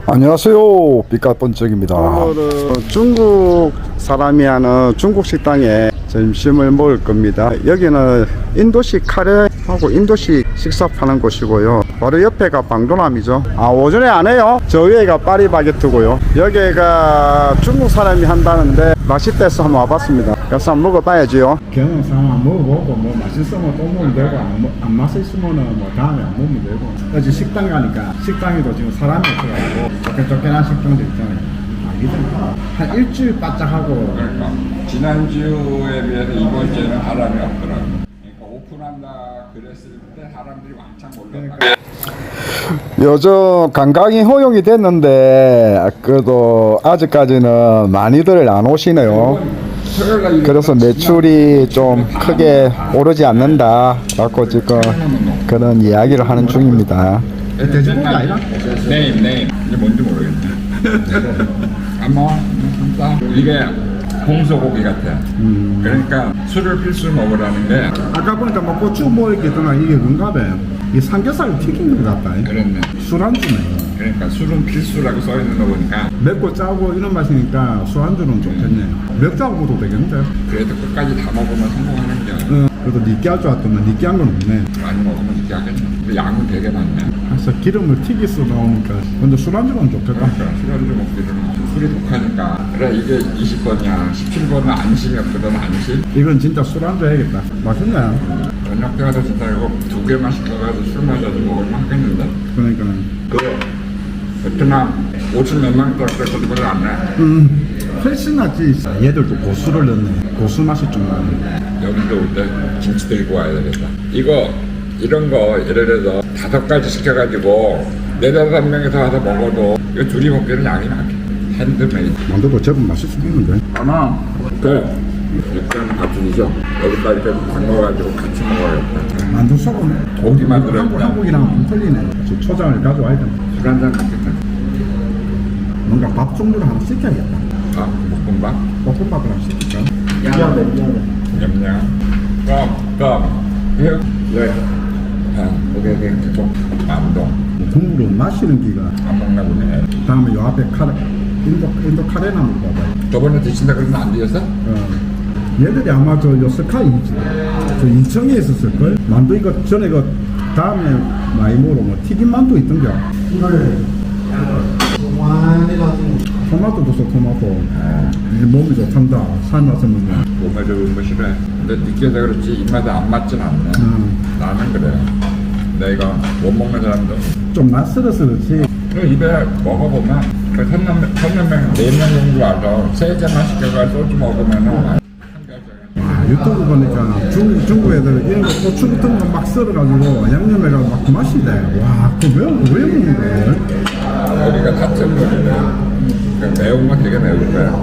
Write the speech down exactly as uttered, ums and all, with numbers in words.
안녕하세요, 삐까뻔쩍입니다. 오늘은 중국 사람이 하는 중국 식당에 점심을 먹을 겁니다. 여기는 인도식 카레하고 인도식 식사 파는 곳이고요. 바로 옆에가 방도남이죠. 아, 오전에 안 해요. 저 위에가 파리바게트고요. 여기가 중국 사람이 한다는데 맛있대서 한번 와봤습니다. 그래서 한번 먹어봐야지요. 경험 삼아 먹어보고 뭐 맛있으면 또 먹으면 되고 안, 먹- 안 맛있으면은 뭐 다음에 안 먹으면 되고. 어제 식당 가니까 식당에도 지금 사람이 없어가지고 쫓겨쫓겨난 식당도 있잖아요. 알겠잖아. 한 일주일 바짝하고 그러니까 지난주에 비해서 이번 주에는 사람이 없더라고. 그러니까 오픈한다 그랬을 때 사람들이 왕창 몰렸다. 요즘 관광이 허용이 됐는데 그래도 아직까지는 많이들 안 오시네요. 그래서 매출이 좀 크게 오르지 않는다 라고 지금 그런 이야기를 하는 중입니다. 돼지고기 아니라? 네임 네임 이게 뭔지 모르겠네. 안 먹어? 진짜 이게 홍소고기 같아. 그러니까 술을 필수 먹으라는 게 아까 보니까 뭐 고추 뭐 이렇게 있더만 이게 뭔가 봐. 이 삼겹살 튀긴 것 같다. 그랬네. 술안주네. 그러니까 술은 필수라고 써 있는 거 보니까 맵고 짜고 이런 맛이니까 술안주는 좋겠네. 맥주하고 먹어도 되겠는데? 그래도 끝까지 다 먹으면 성공하는 게 응. 그래도 느끼할 줄 알았더니 느끼한 건 없네. 많이 먹으면 이렇게 하겠네. 근데 양은 되게 많네. 그래서 기름을 튀기서 나오니까. 근데 술안주는 좋겠다. 그러니까 술안주 먹기는 술이 독하니까 그래 이게 이십 번이야 십칠 번은 안심이 없거든. 안심. 이건 진짜 술안주 해야겠다. 맛있네. 저녁 때 가서 진짜 이거 두 개만 시켜가지고 술 마셔도 먹을만 하겠는데. 그러니까. 그 베트남 오천 몇만 원짜리 그거를 안 내. 음, 훨씬 낫지. 얘들도 고수를 넣네. 고수 맛이 좀 나네. 여기도 올 때 김치 들고 와야 되겠다. 이거 이런 거 예를 들어서 다섯 가지 시켜가지고 네다섯 명이서 와서 먹어도 이거 둘이 먹기는 양이 많게. 핸드메이드. 만두도 제법 맛있겠는데. 하나 그 육전 밥순이죠. 여기다 이렇게 담궈가지고 같이 먹어야겠다. 만두 속은 고기만 들어있다. 한국, 한국이랑 좀 틀리네. 저 초장을 가져와야 돼. 술 한잔 먹겠다. 뭔가 밥 종류를 하나 시켜야겠다. 아 볶음밥. 볶음밥을 하나 시킬까? 미안해, 미안해. 냠냠. 껌 껌. 예. 예. 아 오케이 오케이 계속 만동. 국물은 마시는 기가. 안 먹나 보네. 다음에 요 앞에 카레, 인도, 인도 카레나 먹어봐. 저번에 드신다 그러면 안 드셨어? 어. 얘들이 아마 저 요스카이지. 저 인천에 있었을걸? 만두 이거 전에 그 다음에 많이 먹으러 뭐 튀김 만두 있던겨. 토마토도 써 토마토. 이게 몸이 좋단다. 삶아서 먹으면. 몸에 좋은 거 싫어해. 근데 느끼해서 그렇지 입맛에 안 맞진 않네. 음. 나는 그래. 내가 못 먹는 사람도. 좀 낯설어서 그렇지. 그 입에 먹어보면 그 선남 선남명 네명 정도 와서 세 잔만 시켜가지고 소주 먹으면은 아, 유튜브 보니까 중국, 중국 애들 이런 거 고추 같은 거 막 썰어가지고 양념해가지고 막 그 맛이 돼. 와, 그거 왜, 왜 먹는 거야? 여기가 타점거리네. 그 매운 건 되게 매울 거야.